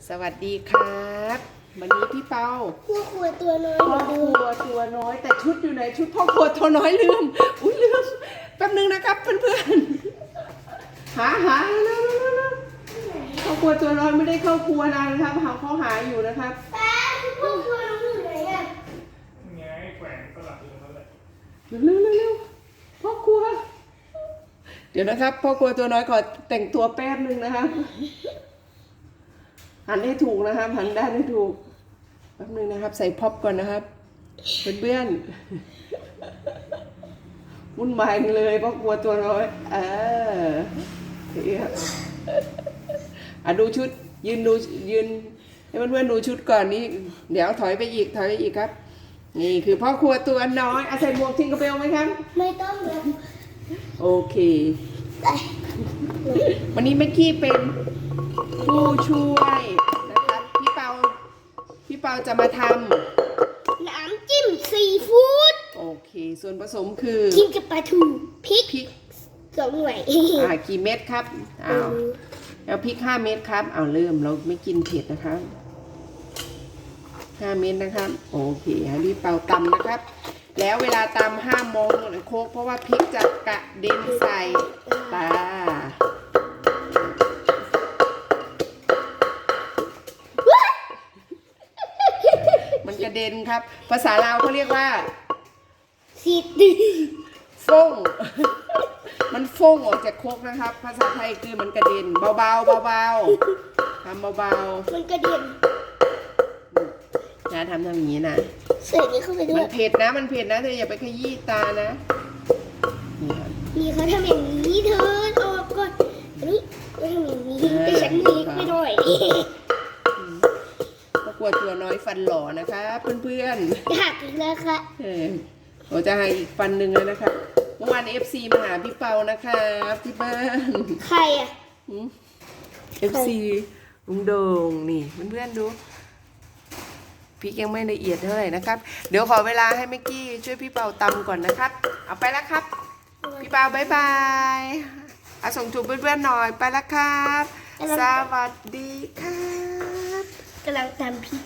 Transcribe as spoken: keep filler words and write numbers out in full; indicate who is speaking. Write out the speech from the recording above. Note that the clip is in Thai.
Speaker 1: สวัสดีครับวันนี้พี่เปา
Speaker 2: พ่อครัวตัวน้อย
Speaker 1: พ่อครัวตัวน้อยแต่ชุดอยู่ไหนชุดพ่อครัวตัวน้อยลืมอุ้ยลืมแป๊บนึงนะครับเพื่อนๆหาหาเร็วๆพ่อครัวตัวน้อยไม่ได้เข้าครัวนานนะครับหาเขาหาอยู่นะครับ
Speaker 2: ป้าพ่อครัวน้องอยู่ไหนอ่ะ
Speaker 3: ไงแขวนสลับอยู่นั่นแหละ
Speaker 1: เร็วเร็วเร็วพ่อครัวเดี๋ยวนะครับพ่อครัวตัวน้อยขอแต่งตัวแป๊บนึงนะครับหันให้ถูกนะครับหันด้านให้ถูกแป๊บนึงนะครับใส่พ็อปก่อนนะครับเพื่อนๆวุ่นวายเลยพ่อครัวตัวน้อยเออนี่ครับอ่ะดูชุดยืนดูยืนให้เพื่อนๆดูชุดก่อนนี่เดี๋ยวถอยไปอีกถอยไปอีกครับนี่คือพ่อครัวตัวน้อยอาใส่หมวกทิงกระเบลไหมครับ
Speaker 2: ไม่ต้องเลย
Speaker 1: โอเควันนี้แม็กกี้เป็นผู้ช่วยนะครับพี่เปาพี่เปาจะมาท
Speaker 2: น้ำจิ้มซีฟู้ด
Speaker 1: ำโอเคส่วนผสมคือ
Speaker 2: กินกับปลาทูพริก
Speaker 1: พริก
Speaker 2: สองหน่วย
Speaker 1: อ่ากี่เม็ดครับอ้าวแล้วพริกห้าเม็ดครับเอาเริ่มเราไม่กินเผ็ดนะครับห้าเม็ดนะครับโอเคให้พี่เปาตำนะครับ แล้วเวลาตำห้ามมองโคกเพราะว่าพริกจะกระเด็นใส่ตามันกระเด็นครับภาษาลาวเขาเรียกว่า
Speaker 2: สีด
Speaker 1: ฟ้ง มันฟ้งออกจากโคกนะครับ ภาษาไทยคือมันกระเด็นเบาๆเบาๆทำเบา
Speaker 2: มันกระเด็น
Speaker 1: ๆนะทำทำอย่างนี้นะ
Speaker 2: ใส่นี้เข้าไปด้
Speaker 1: มั
Speaker 2: วย
Speaker 1: นเผ็ดนะมันเผ็ดนะเธออย่าไปขยี้ตานะนี่ครับ
Speaker 2: นี่เขาทำอย่างนี้เธอออกก่อนอันนี้เขาทำอย่างนี้แต่ฉันหนีไม่ได้
Speaker 1: ก็กลัวตัวน้อยฟันหล่อนะคะเพื่อนๆ
Speaker 2: หักอีกแล้วค่ะ
Speaker 1: เออเราจะให้อีกฟันหนึ่งแล้วนะครับเมื่อวานเอฟซีมาหาพี่เปานะครับที่บ้าน
Speaker 2: ใครอ่ะ
Speaker 1: เอฟซีลุงโด่งนี่เพื่อนๆดูพริกยังไม่ละเอียดเท่าไหร่นะครับ เดี๋ยวขอเวลาให้เมื่อกี้ช่วยพี่เปาตำก่อนนะครับ เอาไปแล้วครับ พี่เปาบายบายเอาส่งจูบเพื่อนๆหน่อยไปแล้วครับ สวัสดีครับ
Speaker 2: กำลังตำพริก